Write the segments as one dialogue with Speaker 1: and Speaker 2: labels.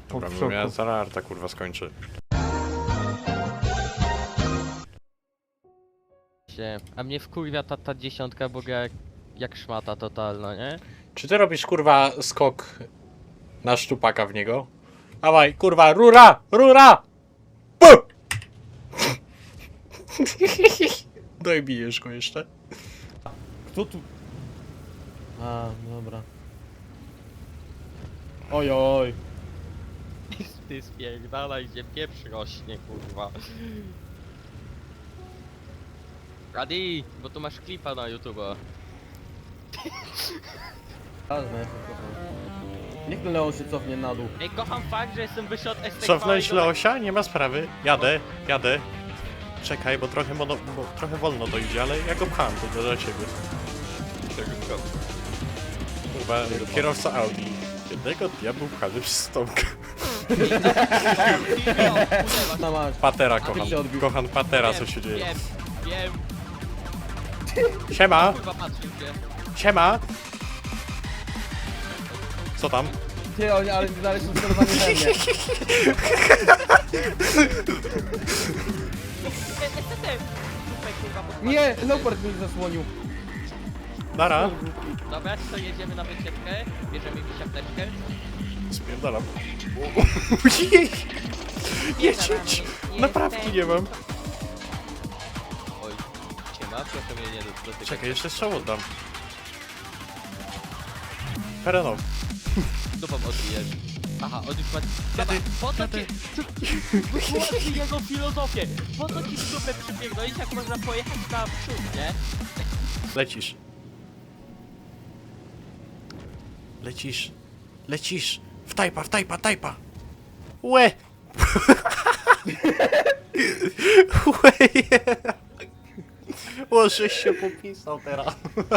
Speaker 1: Dobra, mnie zaraz arta kurwa skończy.
Speaker 2: A mnie wkurwia ta dziesiątka, bo gra jak szmata totalna, nie?
Speaker 1: Czy ty robisz kurwa skok na szczupaka w niego? Dawaj, kurwa, rura! Rura! Puh! No i bijesz go jeszcze.
Speaker 3: Kto tu? A, dobra. Oj, oj.
Speaker 2: Ty spierdalaj, gdzie pieprz rośnie, kurwa. Adi, bo tu masz klipa na YouTube.
Speaker 3: Niech ten Leon się cofnie na dół.
Speaker 2: Ej, kocham fakt, że jestem wyższy od STK.
Speaker 1: Cofnąć Leosia? Nie ma sprawy. Jadę, jadę. Czekaj, bo trochę, bo trochę wolno to idzie, ale ja go pcham, to dla ciebie. Kurwa, kierowca Audi. Jednego dnia był pchany przez Tomka.
Speaker 3: Na masz.
Speaker 1: Patera
Speaker 3: ty
Speaker 1: kocham.
Speaker 3: się odbił.
Speaker 1: Kocham Patera, co się dzieje.
Speaker 2: Wiem.
Speaker 1: Siema!
Speaker 2: Kurwa, patrzył się.
Speaker 1: Siema! Co tam?
Speaker 3: Ty, ale dalej są sterowani we mnie. Nie, Leopard mnie zasłonił.
Speaker 1: Nara!
Speaker 2: Dobra, to jedziemy na wycieczkę, bierzemy mi siateczkę.
Speaker 1: Spierdalam. Ojej! Jedź! Naprawki nie mam.
Speaker 2: Oj, siema, proszę mnie nie dotykać.
Speaker 1: Czekaj, jeszcze strzał oddam. Perenow.
Speaker 2: Dupą odbijesz. Aha, on już ma...
Speaker 1: Dziady,
Speaker 2: Po co
Speaker 1: dziady.
Speaker 2: ci... Wytłumacz jego filozofię. Po co ci w dupę przypierdolić, jak można pojechać na przód, nie?
Speaker 1: Lecisz. Lecisz. Lecisz. W tajpa, w tajpa, tajpa. Łe! Łe! Łożeś się popisał teraz.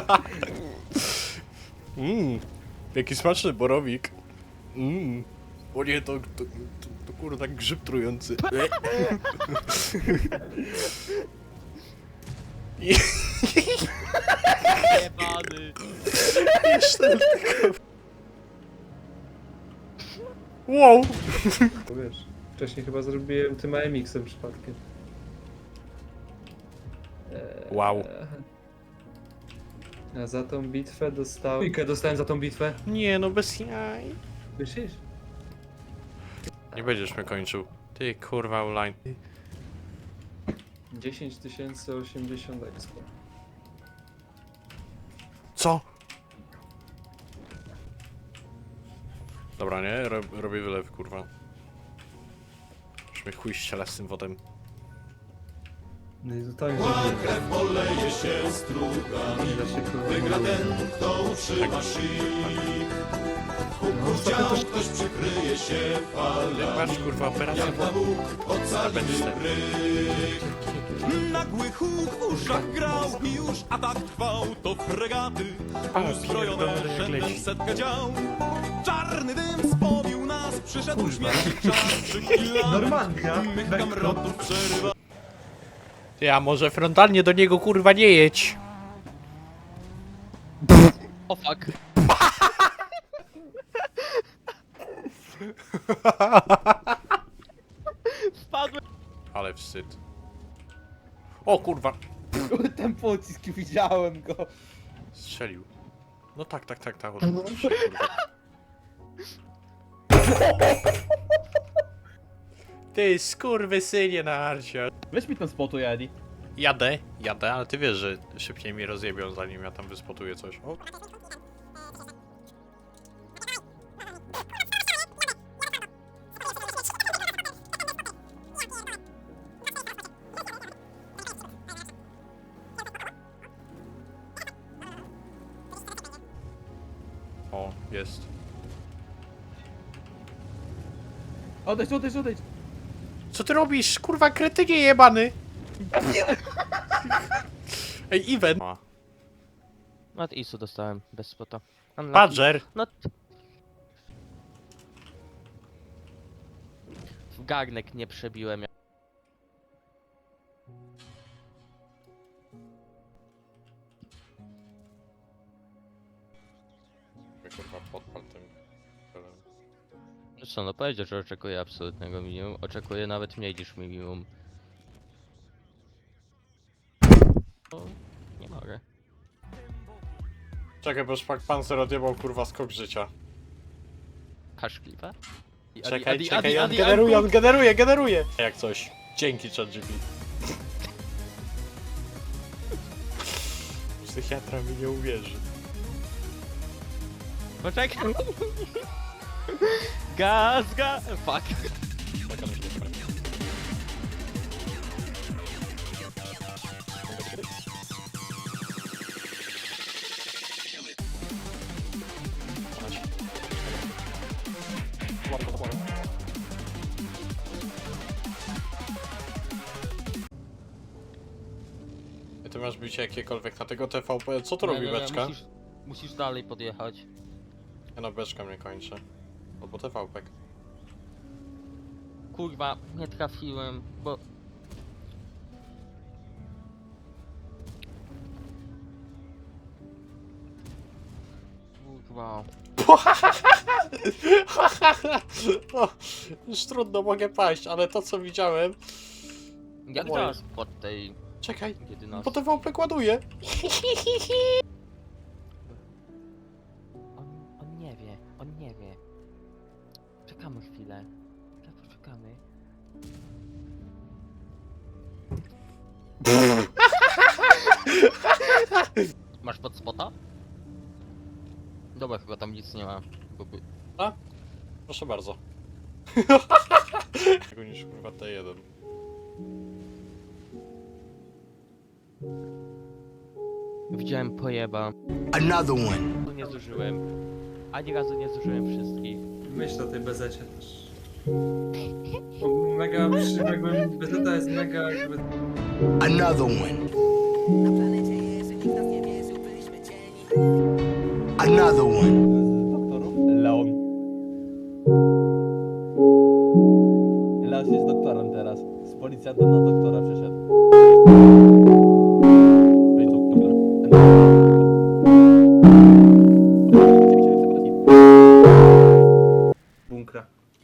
Speaker 1: Jaki smaczny borowik. O nie, to kurwa grzyb trujący.
Speaker 2: Jebany.
Speaker 1: Jeszcze tylko. Wow!
Speaker 4: Bo wiesz, wcześniej chyba zrobiłem tym AMX-em przypadkiem.
Speaker 1: Wow.
Speaker 4: A za tą bitwę dostałem... Trójkę dostałem za tą bitwę.
Speaker 1: Nie no, bez jaj.
Speaker 4: Myślisz?
Speaker 1: Nie będziesz mnie kończył. Ty kurwa online.
Speaker 4: 10 080 expo.
Speaker 1: Co? Dobra, nie? Robię wylew, kurwa. Już mnie chuj ściela z tym wodem.
Speaker 4: No i totalnie krew poleje się strugami. Wygra ten, kto utrzyma szyk. Ktoś przykryje się
Speaker 1: Patrz, kurwa, operacja wody. Będzie z tym.
Speaker 5: Nagły huk w uszach grał i już atak trwał. To fregaty uzbrojone
Speaker 1: pierdolę, jak
Speaker 5: rzędem
Speaker 1: leci.
Speaker 5: setkę dział. Czarny dym spowił nas, przyszedł śmierć czas. Przy chwilach
Speaker 4: Normanka,
Speaker 5: mych kamrotów przerywa.
Speaker 1: Ty, a może frontalnie do niego kurwa nie jedź?
Speaker 2: O fuck. Spadłem.
Speaker 1: Ale wstyd. O kurwa!
Speaker 3: Ten pocisk, widziałem go.
Speaker 1: Strzelił. No tak, oczywiście, kurwa. Ty skurwysynie na arcie.
Speaker 3: Weź mi ten spotu, Eddie.
Speaker 1: Jadę, ale ty wiesz, że szybciej mi rozjebią, zanim ja tam wyspotuję coś. O. O, jest.
Speaker 3: Odejdź, odejdź, odejdź.
Speaker 1: Co ty robisz? Kurwa, kretynie jebany! Ej, event!
Speaker 2: Od ISU dostałem, bez spota. Unlucky.
Speaker 1: Badger!
Speaker 2: No... W garnek nie przebiłem.
Speaker 1: Kurwa, podpal tym.
Speaker 2: Co co, no powiedział, że oczekuję absolutnego minimum. Oczekuję nawet mniej niż minimum. No, nie mogę.
Speaker 1: Czekaj, bo szpak pancer odjebał kurwa skok życia.
Speaker 2: Kaszkliwa?
Speaker 1: Czekaj, on generuje! Jak coś. Dzięki ChatGPT. Psychiatra mi nie uwierzy.
Speaker 2: Poczekaj! Gaz! Fuck!
Speaker 1: Ty masz bicie jakiekolwiek na tego TVP. Co tu
Speaker 2: Nie,
Speaker 1: robi
Speaker 2: nie, nie,
Speaker 1: beczka?
Speaker 2: musisz dalej podjechać.
Speaker 1: Ja na beczka mnie kończę. Albo TVP.
Speaker 2: Kurwa, nie trafiłem, bo... Kurwa...
Speaker 1: No, już trudno mogę paść, ale to co widziałem...
Speaker 2: Jak
Speaker 1: Moje.
Speaker 2: teraz pod tej
Speaker 1: Czekaj,
Speaker 2: 11?
Speaker 1: bo TVP ładuje.
Speaker 2: On nie wie. Czekamy chwilę. Poczekamy. Masz pod spota? Dobra, chyba tam nic nie ma.
Speaker 1: Proszę bardzo. Tego niż kurwa T1.
Speaker 2: Widziałem pojeba.
Speaker 6: Another one.
Speaker 2: Nie zużyłem. Ani razu nie zużyłem wszystkich.
Speaker 4: Myśl o tej bezecie też. Bo mega jakby bezeta jest mega jakby...
Speaker 6: Another one. Another one.
Speaker 3: Doktoru? Leon. Leon jest doktorem teraz. Z policjanta na doktora przeszedł. Ej, doktor.
Speaker 4: bunkra.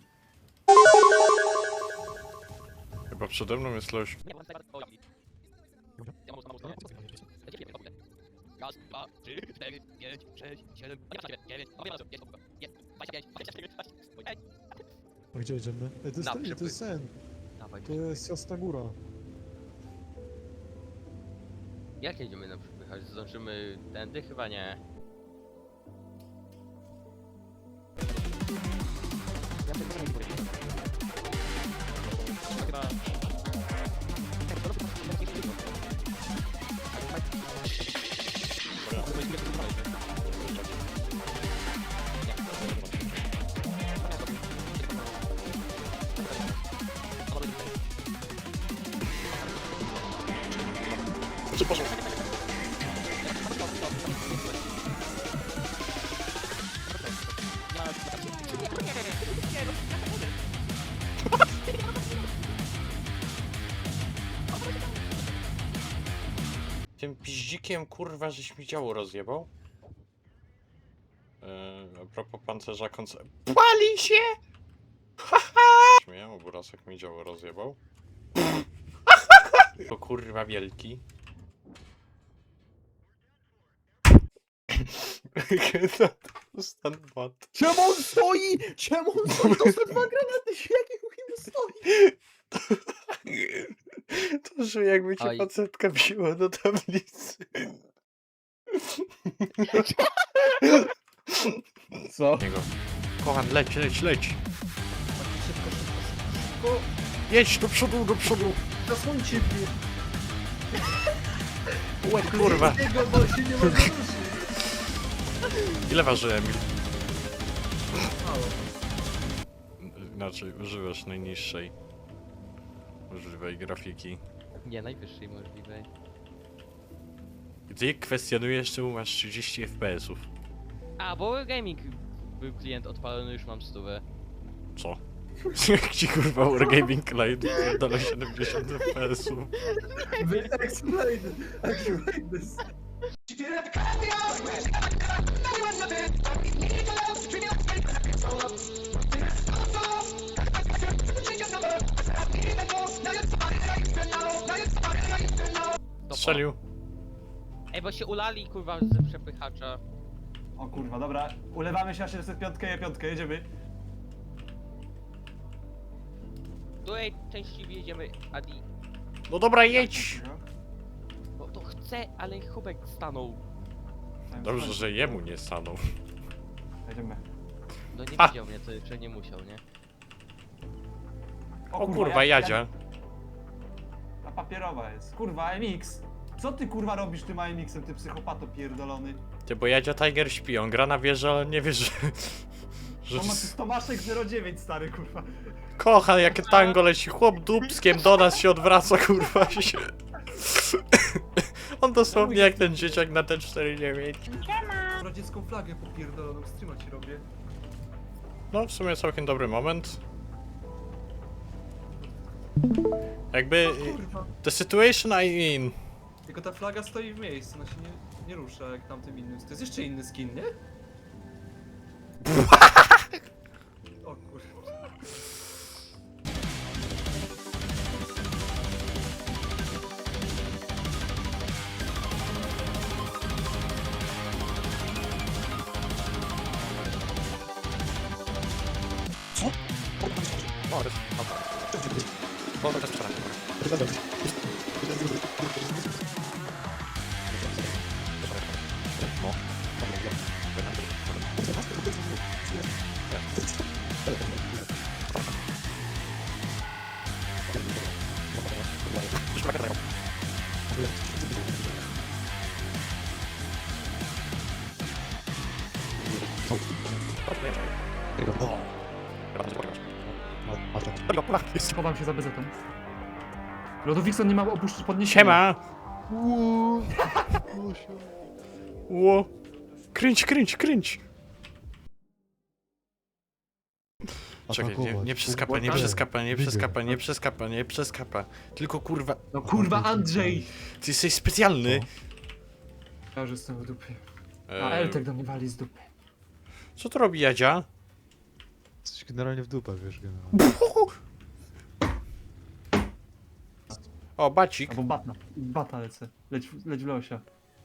Speaker 1: Chyba przede mną jest loś.
Speaker 2: Raz, dwa, trzy, cztery, pięć, sześć, siedem, dziewięć,
Speaker 7: A gdzie jedziemy? Ej, to jest
Speaker 2: Na
Speaker 7: ten, to
Speaker 2: przypływ.
Speaker 7: jest sen.
Speaker 2: Dawaj.
Speaker 7: To jest Jasna Góra.
Speaker 2: Jak jedziemy na przepychać? Zdążymy tędy? Chyba nie.
Speaker 1: Tym piździkiem kurwa żeś mi działo rozjebał. A propos pancerza Pali się! Śmieję, bo Rasek mi działo rozjebał. To kurwa wielki. Stan bot.
Speaker 3: Czemu on stoi? Czemu on stoi? To są dwa granaty, jakie mu stoi?
Speaker 1: To, że jakby cię
Speaker 2: Aj.
Speaker 1: facetka wzięła do tablicy.
Speaker 3: Co?
Speaker 1: Niego. Kocham, leć. Jedź do przodu.
Speaker 3: Zasłońcie mnie.
Speaker 1: Kurwa.
Speaker 3: Jego, bo się nie może ruszyć.
Speaker 1: Ile waży Emil? Inaczej, używasz najniższej możliwej grafiki.
Speaker 2: Nie, najwyższej możliwej.
Speaker 1: Ty kwestionujesz, czemu masz 30 FPS-ów.
Speaker 2: A, bo gaming był klient odpalony, już mam 100.
Speaker 1: Co? Jak ci kurwa Wargaming Light dole 70 FPS-ów.
Speaker 4: Explain this.
Speaker 8: She
Speaker 1: Strzelił.
Speaker 2: Ej, bo się ulali, kurwa, ze przepychacza.
Speaker 8: O kurwa, dobra. Ulewamy się na 705, E5, jedziemy.
Speaker 2: Tutaj częściej jedziemy, Adi.
Speaker 1: No dobra, jedź!
Speaker 2: Bo to chce, ale Hubek stanął.
Speaker 1: Dobrze, że jemu nie stanął.
Speaker 8: Jedziemy.
Speaker 2: No nie
Speaker 1: A.
Speaker 2: widział mnie, to jeszcze nie musiał, nie?
Speaker 1: O kurwa, Jadzia.
Speaker 8: Ta papierowa jest. Kurwa, MX. Co ty kurwa robisz tym AMX-em, ty psychopato pierdolony?
Speaker 1: Ty, bo Jadzia Tiger śpi, on gra na wieży, ale nie wie, że...
Speaker 8: Tomaszek 09 stary kurwa.
Speaker 1: Kocha, jakie tango leci, chłop dupskiem do nas się odwraca, kurwa się. On dosłownie jak ten dzieciak na T49.
Speaker 4: Radziecką flagę popierdoloną, streama ci robię.
Speaker 1: No, w sumie całkiem dobry moment. Jakby...
Speaker 4: Kurwa.
Speaker 1: The situation I in.
Speaker 4: Tylko ta flaga stoi w miejscu, ona się nie rusza jak tamtym innym. To jest jeszcze inny skin, nie? O kurwa.
Speaker 8: Schowam się za bezetą. Lodowikson nie ma opuszczać podniesienia.
Speaker 1: Siema! Ło! Kręć, kręć, kręć! Czekaj, nie przeskapa, nie przeskapa, nie przeskapa, nie przeskapa, nie przeskapa. Tylko kurwa...
Speaker 8: No kurwa Andrzej!
Speaker 1: Ty jesteś specjalny!
Speaker 8: Ja już jestem w dupie. A
Speaker 1: Eee,
Speaker 8: Eltek do mnie wali z dupy.
Speaker 1: co to robi Jadzia?
Speaker 7: Jesteś generalnie w dupę, wiesz, generalnie.
Speaker 1: O, bacik.
Speaker 8: Albo batna. Bata lecę. Leć w losia.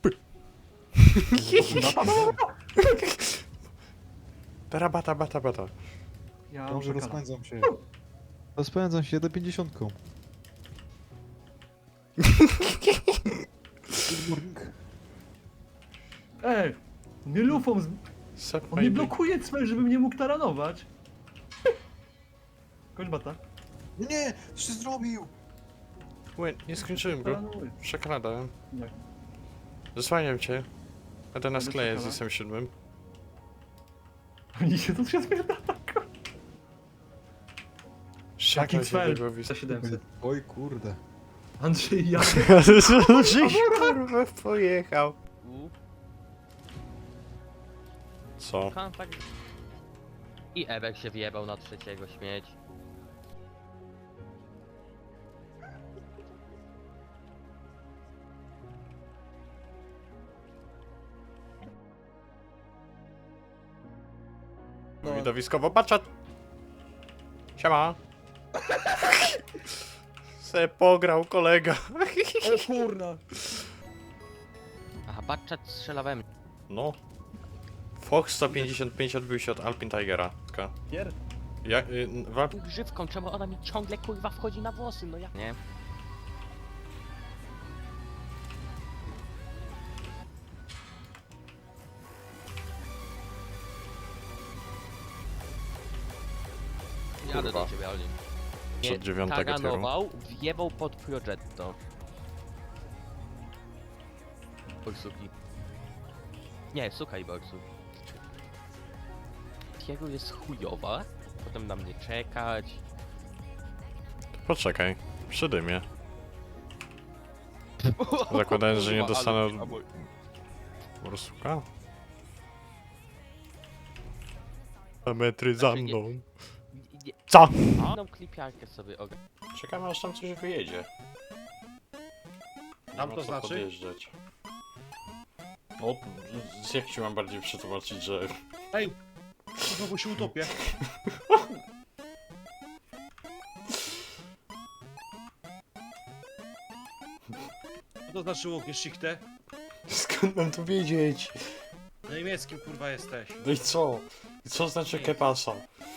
Speaker 1: Tara bata, bata, bata.
Speaker 8: Ja
Speaker 7: Dobrze,
Speaker 8: muszę
Speaker 7: rozpędzam się. Rozpędzam się, jedę 50. Good morning.
Speaker 8: Ej! Nie lufą z...
Speaker 1: Suck
Speaker 8: On
Speaker 1: my
Speaker 8: nie
Speaker 1: dick.
Speaker 8: blokuje cel, żebym nie mógł taranować. Kończ bata.
Speaker 7: Nie, co ty zrobił?
Speaker 1: Łe, nie skończyłem go.
Speaker 8: Taranuję.
Speaker 1: Przekradałem.
Speaker 8: Nie.
Speaker 1: Zasłaniam cię. Będę na
Speaker 8: Będę
Speaker 1: skleję z
Speaker 8: czekała.
Speaker 1: SM7.
Speaker 8: Oni się tu się spierdala.
Speaker 1: Szaki
Speaker 8: cel.
Speaker 4: Za 700.
Speaker 7: Oj kurde.
Speaker 8: Andrzej, ja...
Speaker 1: Żeś kurwa pojechał. Co?
Speaker 2: Kontakt. I Ebek się wjebał na trzeciego, śmieć.
Speaker 1: No. Widowiskowo baczat. Siema. Se pograł kolega.
Speaker 7: Kurna.
Speaker 2: Aha, Batchat strzela we mnie.
Speaker 1: No. Fox 155 odbił się od Alpine Tigera. Taka.
Speaker 8: Pier...
Speaker 1: Ja,
Speaker 2: Grzywką, czemu ona mi ciągle kurwa wchodzi na włosy, no ja... Nie. Jadę do ciebie, Olin. Nie,
Speaker 1: Przed 9 tieru.
Speaker 2: taganował, wjebał pod Progetto. Oj, suki. Nie, suka i Borsu. Jego jest chujowa, potem na mnie czekać.
Speaker 1: Poczekaj. Przy dymie. Zakładając, że nie dostanę od... Borsuka? A metry za mną. Co?
Speaker 2: Jedną klipiarkę sobie ogarnę.
Speaker 1: Czekamy aż tam coś wyjedzie.
Speaker 9: Tam
Speaker 1: Nie
Speaker 9: to
Speaker 1: ma co
Speaker 9: znaczy?
Speaker 1: podjeżdżać. O, jak ci mam bardziej przetłumaczyć, że...
Speaker 9: Ej! Znowu się utopię. Co to znaczyło Geschichte?
Speaker 1: Skąd mam to wiedzieć?
Speaker 9: Na niemieckim kurwa jesteś.
Speaker 1: No i co? I co znaczy kepasa?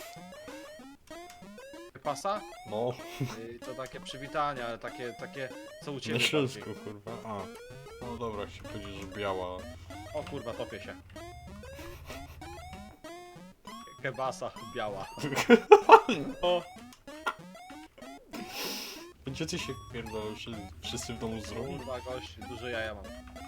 Speaker 9: Pasa?
Speaker 1: No,
Speaker 9: To takie przywitania, ale takie co u ciebie
Speaker 1: na
Speaker 9: bardziej.
Speaker 1: śląsku, kurwa. A. No dobra, się powiedzieć, że biała.
Speaker 9: O kurwa, topię się. Kebasa biała. O,
Speaker 1: Gdzie ty się pierdolą, że wszyscy w domu zrobią?
Speaker 9: kurwa gość, duże jaja mam.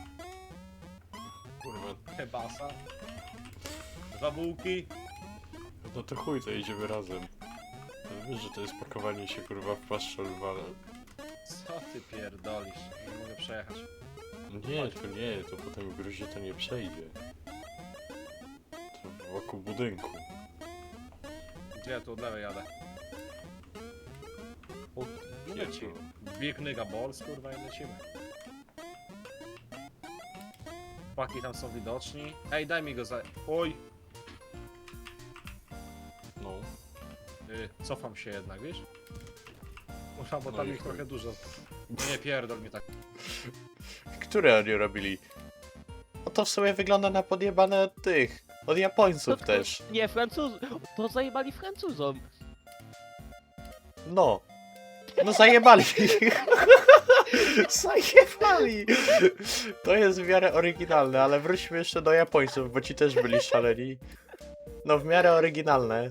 Speaker 1: Kurwa.
Speaker 9: Kebasa. 2 bułki.
Speaker 1: No to chuj, to jedziemy razem. Ale wiesz, że to jest pakowanie się, kurwa, w paszczę lwale.
Speaker 9: Co ty pierdolisz? Nie mogę przejechać.
Speaker 1: Nie, to potem w gruzie to nie przejdzie. To wokół budynku.
Speaker 9: Gdzie ja tu od lewej jadę?
Speaker 1: O,
Speaker 9: No
Speaker 1: nie,
Speaker 9: leci. Big nigga balls, kurwa i lecimy. Chłopaki tam są widoczni. Ej, daj mi go za... Oj!
Speaker 1: no.
Speaker 9: Cofam się jednak, wiesz? Muszę, bo
Speaker 1: No
Speaker 9: tam
Speaker 1: i
Speaker 9: ich
Speaker 1: chuj.
Speaker 9: trochę dużo. Nie pierdol mi tak.
Speaker 1: Które oni robili? No to w sumie wygląda na podjebane od tych. Od Japońców też.
Speaker 2: Nie, to zajebali Francuzom.
Speaker 1: No. No zajebali. Zajebali. To jest w miarę oryginalne, ale wróćmy jeszcze do Japońców, bo ci też byli szaleni. No w miarę oryginalne.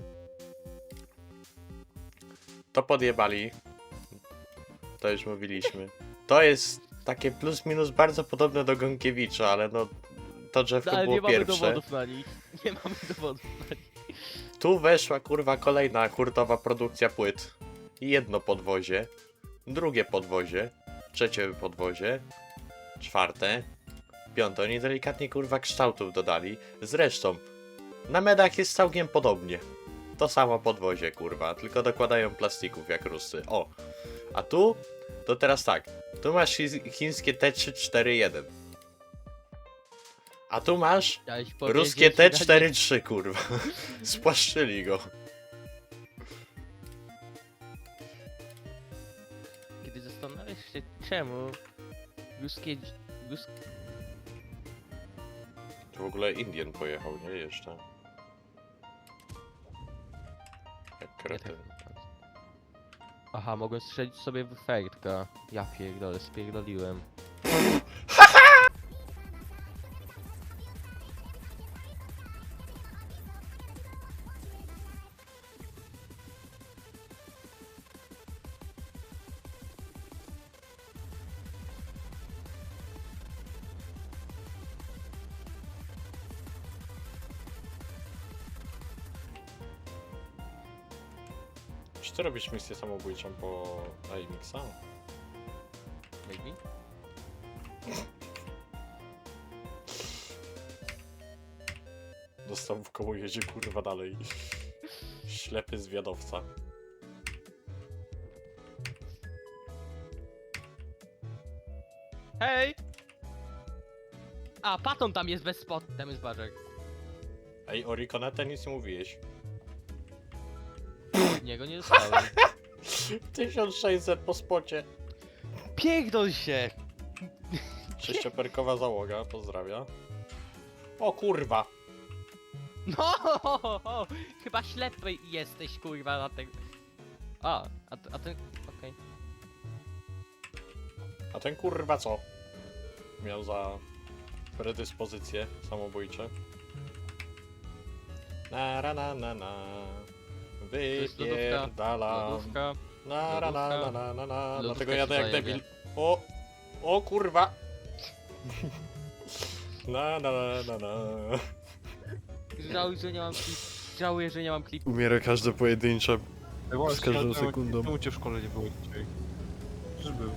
Speaker 1: To podjebali. To już mówiliśmy. To jest takie plus minus bardzo podobne do Gąkiewicza, ale no to drzewko
Speaker 2: No, ale
Speaker 1: było
Speaker 2: nie mamy
Speaker 1: pierwsze.
Speaker 2: dowodów na nich. Nie mamy dowodów na nich.
Speaker 1: Tu weszła kurwa kolejna hurtowa produkcja płyt. Jedno podwozie, drugie podwozie, trzecie podwozie, czwarte, piąte. Oni delikatnie kurwa kształtów dodali. Zresztą, na medach jest całkiem podobnie. To samo podwozie kurwa, tylko dokładają plastików jak Rusy. O, a tu? To teraz tak, tu masz chińskie T341. A tu masz
Speaker 2: Chciałeś powiedzieć,
Speaker 1: ruskie
Speaker 2: że
Speaker 1: T43 kurwa. Spłaszczyli go.
Speaker 2: Kiedy zastanawiasz się czemu ruskie...
Speaker 1: Tu w ogóle Indian pojechał, nie? Jeszcze. Jak kretyn.
Speaker 2: Aha, mogłem strzelić sobie w fertka. Ja pierdolę, spierdoliłem.
Speaker 1: Czy ty robisz misję samobójczą po IMX-a?
Speaker 2: Maybe?
Speaker 1: Dostał w koło, jedzie kurwa dalej. Ślepy zwiadowca.
Speaker 2: Hej! A, Paton tam jest bez spot, tam jest Barzek.
Speaker 1: Ej, o Riconete nic nie mówiłeś.
Speaker 2: Od niego nie dostałem.
Speaker 1: 1600 po spocie.
Speaker 2: Pierdol się!
Speaker 1: Sześcioperkowa załoga, pozdrawia. O kurwa!
Speaker 2: No! Chyba ślepy jesteś, kurwa, na tego. A ten... okej.
Speaker 1: A ten kurwa co? Miał za predyspozycje samobójcze. Na.
Speaker 2: jest lodówka.
Speaker 1: Wypierdalam.
Speaker 2: Lodówka.
Speaker 1: Na.
Speaker 2: Lodówka
Speaker 1: Dlatego
Speaker 2: ci
Speaker 1: jadę jak
Speaker 2: zajebie.
Speaker 1: debil. O kurwa! Na.
Speaker 2: Żałuję, że nie mam klip. Żałuję, że nie mam klipu.
Speaker 1: Umiera każde pojedyncze.
Speaker 7: Z
Speaker 1: każdą sekundą.
Speaker 7: Czemu cię w szkole nie było dzisiaj? Że był.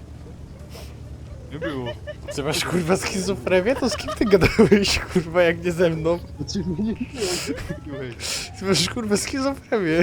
Speaker 7: Nie było.
Speaker 1: Ty masz kurwa schizofrenię? To z kim ty gadałeś kurwa jak nie ze mną?
Speaker 7: Znaczy mnie nie byłeś.
Speaker 1: Ty masz kurwa schizofrenię.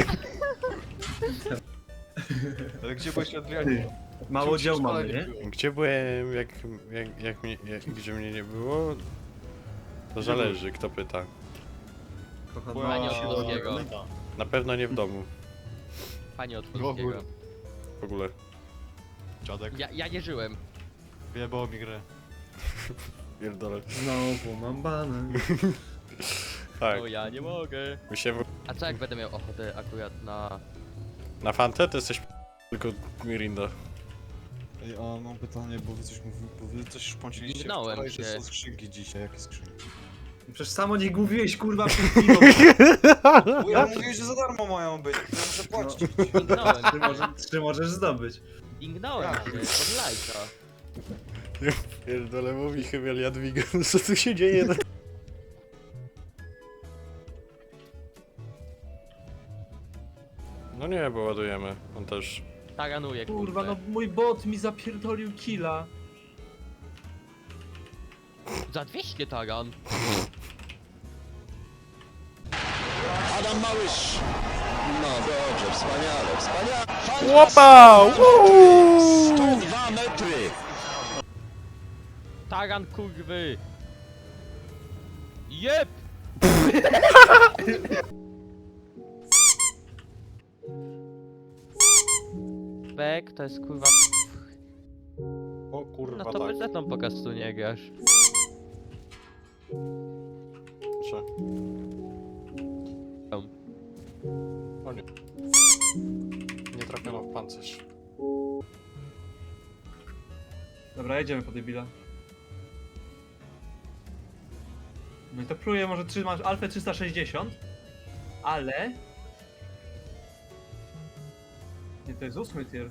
Speaker 7: Ale gdzie byłeś Adrianie?
Speaker 4: Mało dzieł mamy, nie?
Speaker 1: Gdzie byłem, gdzie mnie nie było? To zależy, kto pyta.
Speaker 2: Panie od polskiego.
Speaker 1: Na pewno nie w domu,
Speaker 2: Panie od
Speaker 7: W ogóle.
Speaker 2: polskiego.
Speaker 1: w ogóle.
Speaker 7: Dziadek.
Speaker 2: Ja nie żyłem.
Speaker 7: Wyjebało mi grę.
Speaker 1: Pierdolę.
Speaker 4: Znowu mam bany.
Speaker 1: Tak,
Speaker 2: No ja nie mogę.
Speaker 1: my się
Speaker 2: A co jak będę miał ochotę akurat na...
Speaker 1: na Fantę to jesteś tylko Mirinda.
Speaker 7: Ej, a mam pytanie, bo wy coś szpąciliście
Speaker 2: Minąłem
Speaker 7: wczoraj, że
Speaker 2: się.
Speaker 7: są skrzynki dzisiaj. Jakie skrzynki?
Speaker 4: Przecież samo nie mówiłeś kurwa przed chwilą.
Speaker 7: Bo ja mówię, że za darmo mają być, ja muszę płacić.
Speaker 2: Dingnąłem
Speaker 4: Czy możesz zdobyć?
Speaker 2: Dingnąłem się, od lajka.
Speaker 1: Pierdolę, mówi chyba Jadwiga, co tu się dzieje? No nie, bo ładujemy, on też.
Speaker 2: Taranuje,
Speaker 4: Kurwa,
Speaker 2: kurde.
Speaker 4: no mój bot mi zapierdolił killa.
Speaker 2: Za 200 taran.
Speaker 6: Adam Małysz. No dobrze, wspaniale, wspaniale.
Speaker 1: Łopa!
Speaker 6: 102 metry.
Speaker 2: Taran kurwy! Jep! Bek to jest kurwa...
Speaker 1: O kurwa,
Speaker 2: No to
Speaker 1: tak.
Speaker 2: bezetą po prostu nie grasz.
Speaker 1: Proszę.
Speaker 2: Tam.
Speaker 1: O nie. Nie trafiono w pancerz.
Speaker 8: Dobra, jedziemy po debila. No i to próbuję, może masz Alfę 360, ale... Nie, to jest 8 tier.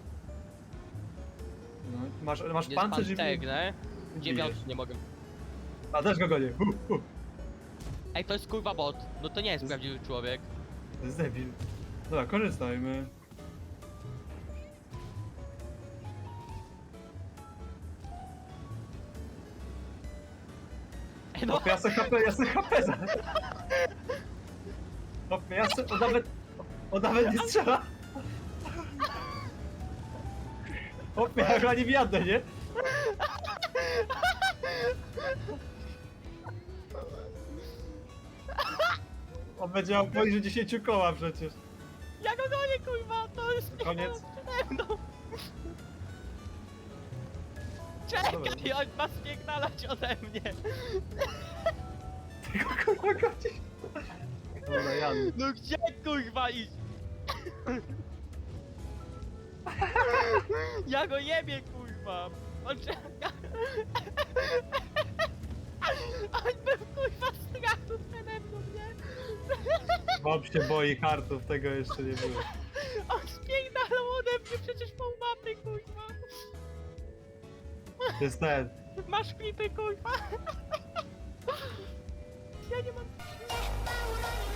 Speaker 8: No, masz
Speaker 2: Jest
Speaker 8: pancerz i...
Speaker 2: pantegnę. 9 nie mogę.
Speaker 8: A, też go gonię.
Speaker 2: Ej, to jest kurwa bot. No to nie jest prawdziwy człowiek.
Speaker 8: To jest debil. Dobra, korzystajmy.
Speaker 2: Ej, no,
Speaker 8: Hopie, ja se HP za... Hopie, on nawet nie strzela. Hopie, ja chyba nie wjadę, nie? On będzie miał poniżej 10 koła przecież.
Speaker 2: ja go gonię kurwa, to jest
Speaker 8: Koniec.
Speaker 2: przede mną. Czekaj, on ma spierdalać ode mnie.
Speaker 8: Kurwa, godzisz. Dobra, jadę.
Speaker 2: No gdzie kurwa iść? Ja go jebie kurwa. On czeka. On był kurwa strachu przede mną, nie?
Speaker 8: Bob się boi kartów, tego jeszcze nie było.
Speaker 2: On spierdalał ode mnie przecież pół mapy kurwa.
Speaker 8: To jest ten.
Speaker 2: Masz klipy kurwa. Ja nie mam...